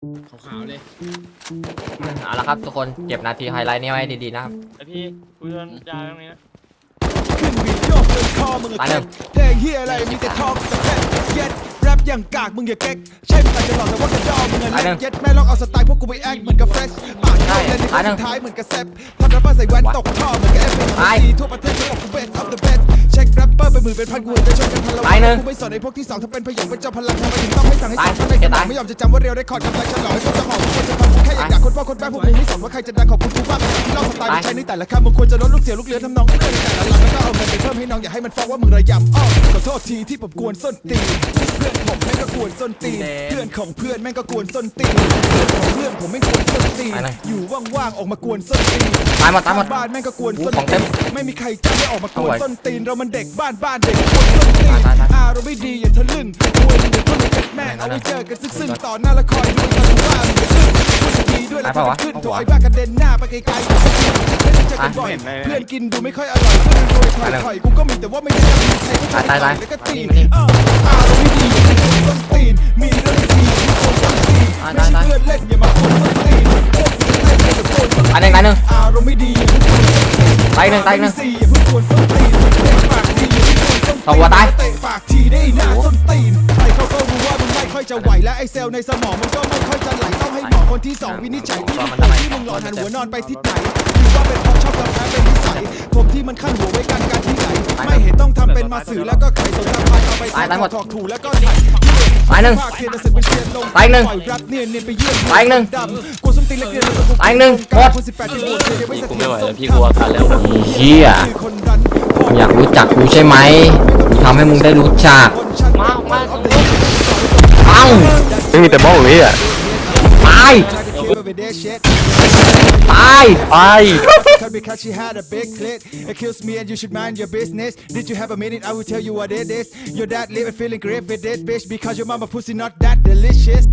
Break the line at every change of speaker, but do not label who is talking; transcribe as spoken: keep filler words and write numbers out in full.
ขาวๆเลย
เอาละครับทุกคนเก็บนาทีไฮไลท์นี้ไว้ดีๆนะครับ
ไอพี่กูโดนยาตรงนี้นะ
ขึ้นบีทโยกเลยคอมึงอะแข็งเพลงเฮียอะไรมีแต่ทองแต่แฟนเย็ดแรปอย่างกากมึงอย่าเก๊กใช่มึงอาจจะหลอกแต่ว่ากระดอมึงอะเล็กเย็ดแม่ลองเอาสไตล์พวกกูไปแอคเหมือนกับเฟรชปากเข้าเลยในครั้งสุดท้ายเหมือนกับแซปทำแรปเปอร์ใส่แว่นตกท่อเหมือนกับเอฟเอ็มซีทั่วประเทศเขาบอกกูเบสออฟเดอะเบสเช็คแรปเปอร์เป็นหมื่นเป็นพันกูจะชนกันพันละวันกูไม่สนไอ้พวกที่สองถ้าเป็นพยองเป็นเจ้าพลังทำไมถึงต้องให้สั่งให้สั่งทำไมสมองไม่ยอมจะจำว่าเรียวได้คอร์ดกำลังฉลองให้คนจะหอมคนจะฟังกูแค่อยากด่าคนพ่อคนแม่พวกมึงไม่สนว่าใครจะดังขอบคุณกูบ้างที่เล่าสไตล์ไม่ใช่ในแต่ละคำมึงควรจะลดลูกเสียลูกเรือทำนองเรื่องแต่ละหลังแล้วก็เอาเงินไปเพิ่มให้น้องอย่าให้มันฟ้องว่ามึงระยำอ้อขอโทษทีที่ผมกวนส้นตีนเพื่อนผมแม่งก็กวนส้นตีนเพื่อนของเพื่อนแม่งก็กวนส้นตีนเพื่อนของเพื่อนผมไม่กวนส้นตีนอยู่ว่างๆออกมากวนส้นตีน
ตายหมดตายหมด
บ้านแม่งก็กวนส้น
ของเต็
ตี
ม
นไม่มีใครจะไม่ออกมากวนส้นตีนเรามันเด็กบ้านบ้านเด็กกวนส้นตีนอารมณ์ไม่ดีอย่าทะลึ่งกวนเดี๋ยวก็เลยเก็ตแม่งเอาไว้เจอกันซึ่งๆต่อหน้าละครด้วยกันว่ามึงจะขึ้นพูดดีด้วยแล้วจะขึ้นโถไอ้บ้ากระเด็นหน้าไปไกลๆไม่ได้เจอกันบ่อยเพื่อนกินดูไม่ค่อยอร่อยเพื่อนรวยถอยถอยกูก็มีแต่ว่าไม่ได้มีใครก็ถอยแล้วก็ตีอารมณ์ไม่ดีอย่าทะลึ่งส้นตีนมีเรื่องดีที่โกนส้นตีนไม่ใช่เพื่อนเล่นอย่ามาโกนส้นตีนพวกมึงเล่นอย่าโกนส้นตีน
ตายหนึ่งตายหนึ่ง
อารมณ์ไม่ดีอย่าเพิ่งกวนส้นตีน
ตายหนึ่งตายหนึ่ง
อย่าเพิ่งกวนส้นตีนเตะปากดีอย่าเพิ่งกวนส้นตีน
สองหัวตาย
เตะปากทีได้หน้าส้นตีนใครเขาก็รู้ว่ามึงไม่ค่อยจะไหวและไอเซลล์ในสมองมันก็ไม่ค่อยจะไหลต้องให้หมอคนที่สองวินิจฉัยที่มึงปวดที่มึงหลอนหันหัวนอนไปทิศไหนหรือว่าเป็นเพราะชอบกาแฟเป็นนิสัยผมที่มันขั้นหัวไว้กันการที่ไหนไม่เห็นต้องทำเป็นมาสื่อแล้วก็ไขสงครามพายเอาไปถอกถูแล้วก็ถ่าย
ตายหนึ่ง
ภาคเทียนศึกเป็นเทียนลง
ตายหนึ่ง
ปล่อยรับเนียนเนียนไปเยี่ยม
ตายหนึ่ง
ดำกูส้นตีนเล็กเรียนแล้วก็กู
ตายหนึ่งหมด
คนสิบแปดที่บวชเรียนไม่เสถียร
กูไม่ไหวแล้วพี่กลัวกันแล้ว
เฮียอยากรู้จักกูใช่ไหมทำให้มึงได้รู้จักเอ้า
ไม่มีแต่บ้องเลยอ่ะ
ตายตาย
ไอ
Because she had a big clit, accuse me and you should mind your business. Did you have a minute? I will tell you what it is. Your dad living feeling great with this bitch because your mama pussy not that delicious.